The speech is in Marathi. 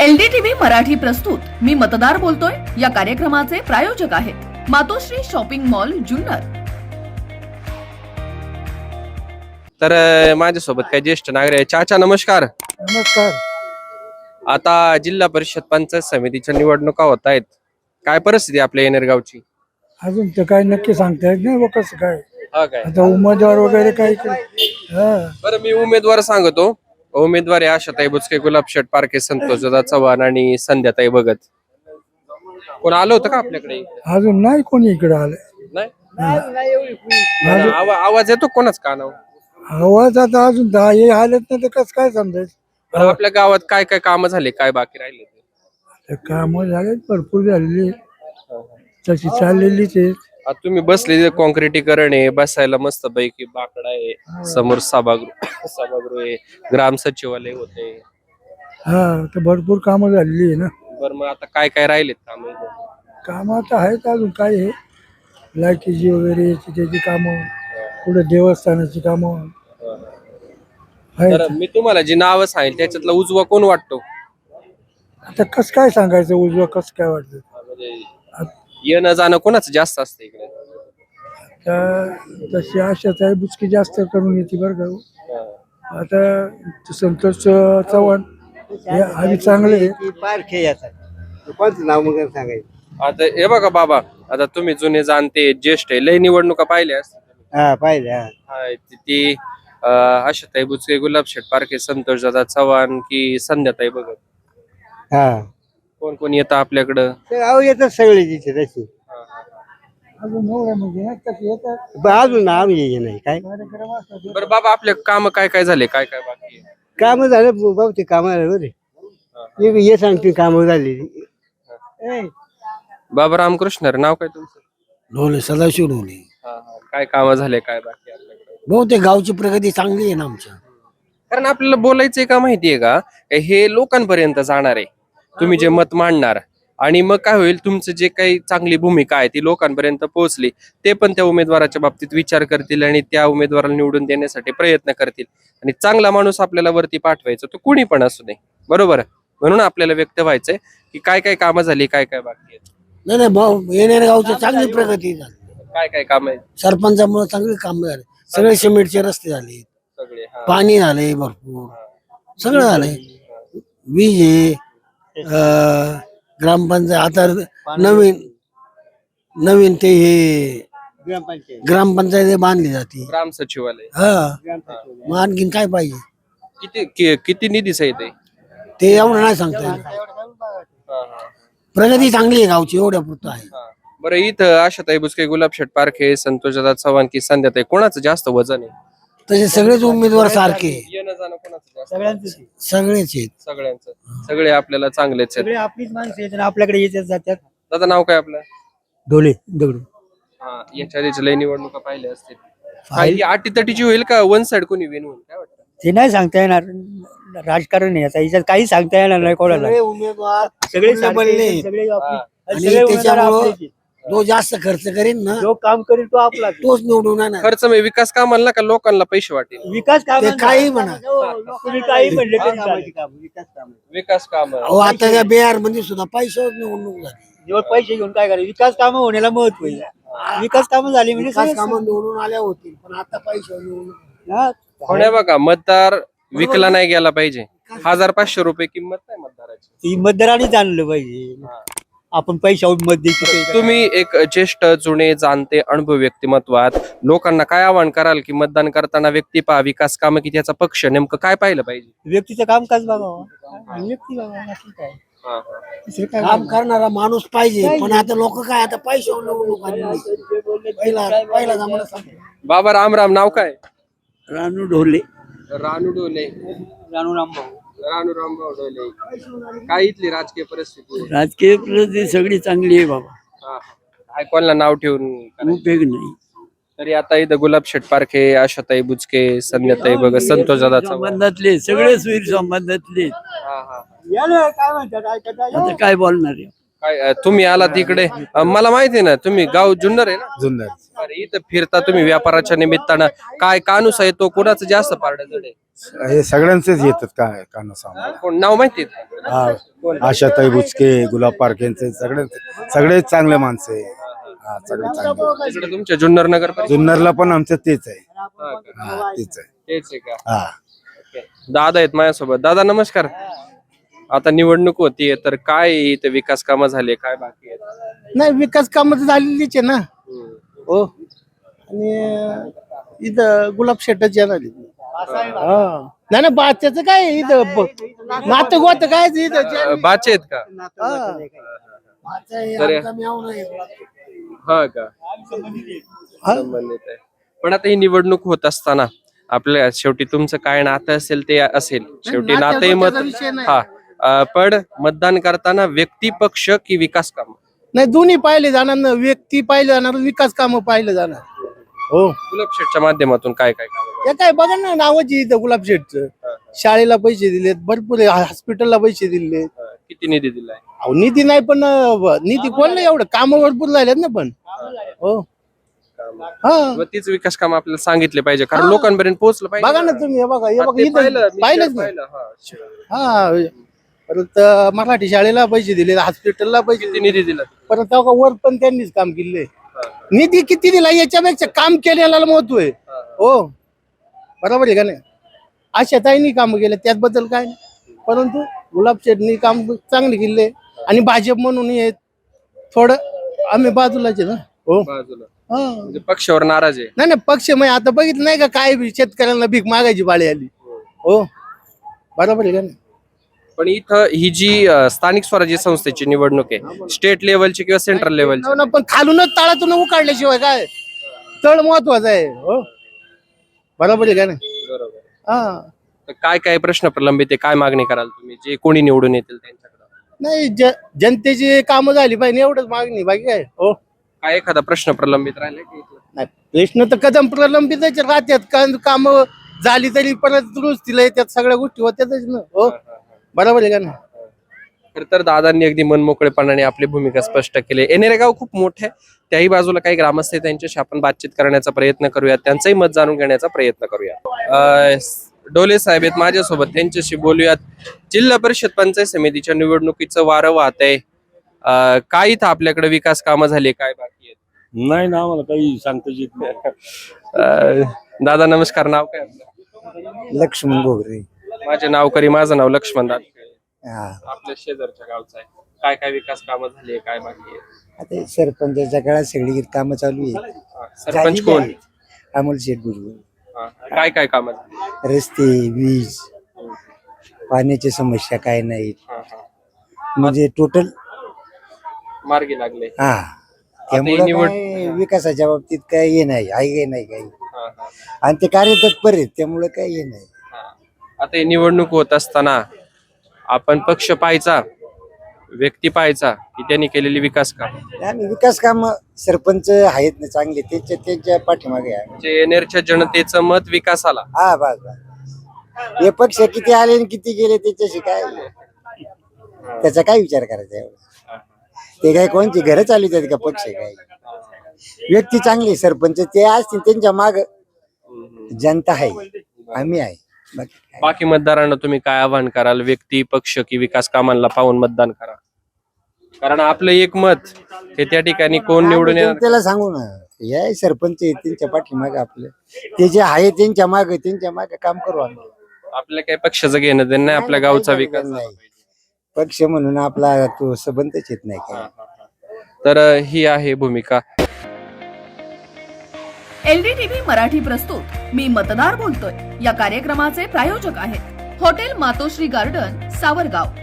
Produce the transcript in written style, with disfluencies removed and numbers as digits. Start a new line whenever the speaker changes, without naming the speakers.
LDTV मराठी प्रस्तुत मी मतदार बोलतोय या कार्यक्रमाचे प्रायोजक आहेत मातोश्री शॉपिंग मॉल जुन्नर।
तर माझ्यासोबत काही ज्येष्ठ नागरिक आहे। चाचा नमस्कार।
नमस्कार।
आता जिल्हा परिषद पंचायत समितीच्या निवडणुका होत आहेत, काय परिस्थिती आपल्या येणेरगावची?
अजून तर काय नक्की सांगता येत नाही कसं काय
हा काय
आता उमेदवार वगैरे काही
बरं, मी उमेदवार सांगतो। उमेदवार आहे आशाताई बुचके, गुलाबशेठ पारखे, संतोषदादा चव्हाण आणि संध्याताई भगत। कोण आलं होतं का आपल्याकडे?
अजून नाही कोणी इकडे आलं।
नाही आवाज येतो कोणाच कानावर?
आवाज आता अजून हे आलेत नाही तर कसं काय समजायचं।
आपल्या गावात काय काय कामं झाले, काय बाकी राहिले?
काम झाले भरपूर झालेली तशी चाललेलीच आहेत।
आता तुम्ही बसले, कॉन्क्रिटीकरण आहे, बसायला मस्त पैकी बाकडा आहे, समोर सभागृह आहे, ग्राम सचिवालय होते।
हा तर भरपूर कामं झालेली आहे ना।
बरं, मग आता काय काय राहिलेत काम?
काम आता आहेत अजून काय आहे, लाईटीची वगैरे याची त्याची कामं, पुढे देवस्थानाची कामं आहेत।
तर मी तुम्हाला जी नावं सांगेल त्याच्यातला उजवा कोण वाटतो?
आता कसं काय सांगायचं उजवं कसं काय वाटतं?
म्हणजे येणं जाणं कोणाचं जास्त असतं इकडे?
तशी आशाताई बुचकी जास्त करून येते बरं का। आता संतोष चव्हाण हे आधी चांगले आहे।
पारखे येतात कोणतं नाव मग सांगायचं?
आता हे बघा बाबा, आता तुम्ही जुने जाणते ज्येष्ठ आहे, लय निवडणुका पाहिल्या असतील।
हा पाहिजे
ती आशाताई बुचके, गुलाबशेठ पारखे, संतोषदादा चव्हाण की संध्याताई भगत?
हा
कोण कोण येतं आपल्याकडं?
अहो येतात सगळे तिथे तशी
अजून एवढं म्हणजे ना तसे येतात
अजून आम्ही ये नाही काय
कार्यक्रम असतात।
बरं बाबा, आपले काम काय काय झाले, काय काय बाकी आहे?
काम झालं भाऊ, ते काम रे ये सांगते काम झालेली।
बाबा रामकृष्ण रे, नाव काय तुमचं?
ढोले सदाशिव ढोले।
काय काम झाले, काय बाकी आहे आपल्याकडे?
बहुतेक गावची प्रगती चांगली आहे ना आमच्या।
कारण आपल्याला बोलायचंय का माहितीये का, हे लोकांपर्यंत जाणार आहे, तुम्ही जे मत मांडणार, आणि मग काय होईल, तुमचं जे काही चांगली भूमिका आहे ती लोकांपर्यंत पोहोचली, ते पण त्या उमेदवाराच्या बाबतीत विचार करतील आणि त्या उमेदवाराला निवडून देण्यासाठी प्रयत्न करतील। आणि चांगला माणूस आपल्याला वरती पाठवायचा, तो कुणी पण असू दे, बरोबर? म्हणून आपल्याला व्यक्त व्हायचंय की काय काय कामं झाली, काय काय बाकी आहेत।
नाही नाही भाऊ, येणाऱ्या गावची चांगली प्रगती झाली।
काय काय काम आहेत?
सरपंचामुळे चांगली काम झाले, सगळे सिमेंटचे रस्ते झाले,
सगळे
पाणी झाले, भरपूर सगळं झालंय, वीज आहे, ग्रामपंचायत आता नवीन ते हे ग्रामपंचायत बांधली जाते।
ग्राम सचिवालय,
हा मग आणखीन काय पाहिजे?
किती निधीच आहे
ते एवढं नाही सांगता येईल। प्रगती चांगली आहे गावची, एवढ्या पुरतं आहे।
बरं, इथं आशाताई बुचके, गुलाबशेठ पारखे, संतोषदादा चव्हाण की संध्याताई, कोणाचं जास्त वजन आहे?
तसे सगळेच उमेदवार सारखे,
येणं जाणं कोणाचं जास्त?
सगळेच आहेत।
सगळ्यांचं, सगळे आपल्याला चांगलेच आहेत।
सगळे आपलीच माणसं येतात आपल्याकडे येतात जातात।
दादा नाव काय आपलं?
ढोले दगडू।
याच्या आधीच लय निवडणुका पाहिल्या असतील, काही अटीतटीची होईल का वन साइड कोणी विन होईल, काय वाटतं?
ते नाही सांगता येणार, राजकारण आहे आता याच्यात, काही सांगता येणार नाही कोणाला।
सगळे उमेदवार
सगळे
बनले
सगळे
आणि त्याच्यामुळं जो जास्त खर्च करेन ना,
जो काम करेल तो आपला
तोच निवडून येणार।
खर्च म्हणजे विकास कामाला का लोकांना पैसे वाटेल?
विकास काम
ते काही म्हणा,
तुम्ही काही म्हणले तरी चालेल.
विकास काम
अहो आता त्या बिहार मध्ये सुद्धा पैशावर निवडणूक झाली।
जेव्हा पैसे घेऊन काय करायचं, विकास कामं होण्याला महत्व आहे। विकास कामं झाली म्हणजे
विकास
सगळं
कामं निवडून आल्या होतील, पण आता पैशावर निवडणूक।
हा.
कोण्या बघा, मतदार विकला नाही गेला पाहिजे। 1500 रुपये किंमत नाही मतदाराची।
ती मतदारांनी जाणलं पाहिजे, आपण पैशावर मत द्यायची।
तुम्ही एक ज्येष्ठ, जुने, जाणते, अनुभव व्यक्तिमत्वात लोकांना काय आवाहन कराल की मतदान करताना व्यक्ती पहा, विकास काम की त्याचा पक्ष, नेमकं काय पाहिलं पाहिजे?
व्यक्तीचं कामकाज बघावं, व्यक्ती बघावं, असं काय दुसरं काय
काम करणारा माणूस पाहिजे, पण आता लोक काय आता पैशावर निवडणूक आली। पहिला जमाना सांगतो।
बाबा राम राम, नाव काय?
रानू ढोले।
रानू डोले,
रानू रामभाऊ।
रानू रामभाऊ डोले। काय इथली राजकीय परिस्थिती?
राजकीय परिस्थिती सगळी चांगली आहे बाबा,
काय कोणाला नाव ठेवून
उपयोग नाही।
तरी आता इथं गुलाबशेठ पारखे, आशाताई बुचके, संध्याताई भगत, संतोषदादा चव्हाण,
संबंधातले सगळे सुईर संबंधातले
हा.
काय म्हणतात, आता काय बोलणार आहे?
काय तुम्ही आला तिकडे मला माहिती आहे ना, तुम्ही गाव जुन्नर आहे ना?
जुन्नर.
अरे इथं फिरता तुम्ही व्यापाराच्या निमित्तानं, काय कानूस आहे तो कोणाचं जास्त पारडं जड आहे?
हे सगळ्यांचेच येतात काय काना सामान.
कोण नाव माहिती आहे?
हा, आशाताई बुचके, गुलाब पारखेंचे सगळेच चांगले माणसं आहे. हा, सगळे चांगले.
तिकडे तुमच्या जुन्नर नगर परिषद
जुन्नरला पण आमचं तेच आहे.
हा का?
हा, तेच आहे.
तेच आहे का?
हा.
दादा आहेत माझ्यासोबत. दादा नमस्कार. आता निवडणूक होतीये तर काय इथे विकास कामं झाले, काय बाकी आहेत?
नाही विकास काम तर झालेलीच आहे ना. हो आणि इथं गुलाब शेटच येणार आहे. नाही ना बा त्याचं काय आहे इथं नातं गोत काय आहे इथं
बाचे आहेत का? तर हा का संबंधित आहे. पण आता ही निवडणूक होत असताना आपल्या शेवटी तुमचं काय नातं असेल ते असेल, शेवटी नाते मत. हा पण मतदान करताना व्यक्ती पक्ष की विकास काम?
नाही दोन्ही पाहिले जाणार ना. व्यक्ती पाहिले जाणार, विकास काम पाहिले जाणार. हो
गुलाब शेठच्या माध्यमातून काय काय काम?
हे काय बघा ना नावाची इथं गुलाब शेठचं. शाळेला पैसे दिलेत भरपूर, हॉस्पिटलला पैसे दिले.
किती निधी दिलाय?
अहो निधी नाही पण निधी कोण नाही एवढं, काम भरपूर झालेत ना. पण हो हा
मग तीच विकास काम आपल्याला सांगितले पाहिजे, कारण लोकांपर्यंत पोहोचलं पाहिजे.
बघा ना तुम्ही, हे बघा हे
हा,
बघा
ते
इथं
मी
पाहिलंच ना.
पाहिलं, हा.
हा परत मराठी शाळेला पैसे दिले, हॉस्पिटलला पैसे
किती निधी दिला?
परत तेव्हा वर पण त्यांनीच काम केले. निधी किती दिला याच्यापेक्षा काम केलेला महत्व आहे. हो बरोबर आहे का नाही? आशाताईंनी काम केले त्याबद्दल काय नाही, परंतु गुलाब शेठनी काम चांगले केले. आणि भाजप म्हणून हे थोडं आम्ही बाजूलाच आहे ना. हो
बाजूला
हा
म्हणजे पक्षावर नाराज आहे.
नाही पक्ष म्हणजे आता बघितलं नाही का काय शेतकऱ्यांना भीक मागायची पाळी आली. हो बरोबर आहे का नाही?
पण इथं ही जी स्थानिक स्वराज्य संस्थेची निवडणूक आहे, स्टेट लेवलची किंवा सेंट्रल लेवलची,
हो ना, पण खालूनच तळातून उकाडल्याशिवाय काय तळ महत्वाचा आहे. हो बरोबर आहे का नाही?
बरोबर.
हा
तर काय काय प्रश्न प्रलंबित आहे, काय मागणी कराल तुम्ही, जे कोणी निवडून येतील त्यांच्याकडे?
नाही जनतेची कामं झाली पाहिजे एवढंच मागणी, बाकी काय. हो
काय एखादा प्रश्न प्रलंबित राहिला की इथलं?
नाही प्रश्न तर कदम प्रलंबितच राहतात. काम झाली तरी परत दुरुस्तीला येतात, सगळ्या गोष्टी होत्यातच ना. हो बरोबर आहे का नाही?
खर तर दादांनी अगदी मनमोकळेपणाने आपली भूमिका स्पष्ट केली. येणारे गाव खूप मोठे आहे, त्याही बाजूला काही ग्रामस्थ आहेत, त्यांच्याशी आपण बातचीत करण्याचा प्रयत्न करूया, त्यांचंही मत जाणून घेण्याचा प्रयत्न करूया. डोले साहेब आहेत माझ्यासोबत, त्यांच्याशी बोलूयात. जिल्हा परिषद पंचायत समितीच्या निवडणुकीचं वारं वाहत आहे. काय इथं आपल्याकडे विकास कामं झाली, काय बाकी आहेत?
नाही ना आम्हाला काही सांगता येत नाही.
दादा नमस्कार. नाव काय आपलं?
लक्ष्मण गोगरे.
माझे नाव करी, माझं नाव लक्ष्मण दादा.
हा
आपल्या शेजारच्या गावचं आहे. काय काय विकास कामं झाली, काय बाकी आहे?
आता सरपंचाच्या काळात सगळी कामं चालू आहे.
सरपंच कोण?
अमोल शेठ गुरु.
काय काय कामं झाली?
रस्ते, वीज, पाण्याची समस्या काय नाहीत, म्हणजे टोटल
मार्गी लागले.
हा त्यामुळे
निवड-
काय विकासाच्या बाबतीत काय हे नाही, आहे नाही काही. आणि ते कार्यतत्पर आहेत त्यामुळे काय हे नाही.
आता ही निवडणूक होत असताना आपण पक्ष पाहायचा, व्यक्ती पाहायचा की त्यांनी केलेली विकास काम?
आम्ही विकास काम सरपंच आहेत ना चांगले, त्यांच्या पाठीमागे आहे.
म्हणजे येणाऱ्या जनतेचं मत विकासाला.
हा बस बस. हे पक्ष किती आले आणि किती गेले त्याच्याशी काय, त्याचा काय विचार करायचा एवढा. ते काय कोणती घरं चालवतात का पक्ष? काय व्यक्ती चांगली सरपंच ते असतील त्यांच्या माग जनता आहे, आम्ही आहे.
बाकी मतदारांना तुम्ही काय आवाहन कराल? व्यक्ती, पक्ष की विकास कामांना पाहून मतदान करा, कारण आपलं एक मत हे त्या ठिकाणी कोण निवडून येणार.
त्याला सांगू ना, हे सरपंच आहेत त्यांच्या पाठीमाग आपलं, ते जे आहे त्यांच्या माग काम करू आम्ही.
आपल्या काही पक्षाचं घेणं देणं नाही, आपल्या गावचा विकास झाला पाहिजे.
पक्ष म्हणून आपला तो संबंधच येत नाही काय.
तर ही आहे भूमिका.
LDTV मराठी प्रस्तुत मी मतदार बोलतोय या कार्यक्रमाचे प्रायोजक आहेत हॉटेल मातोश्री गार्डन, सावरगाव.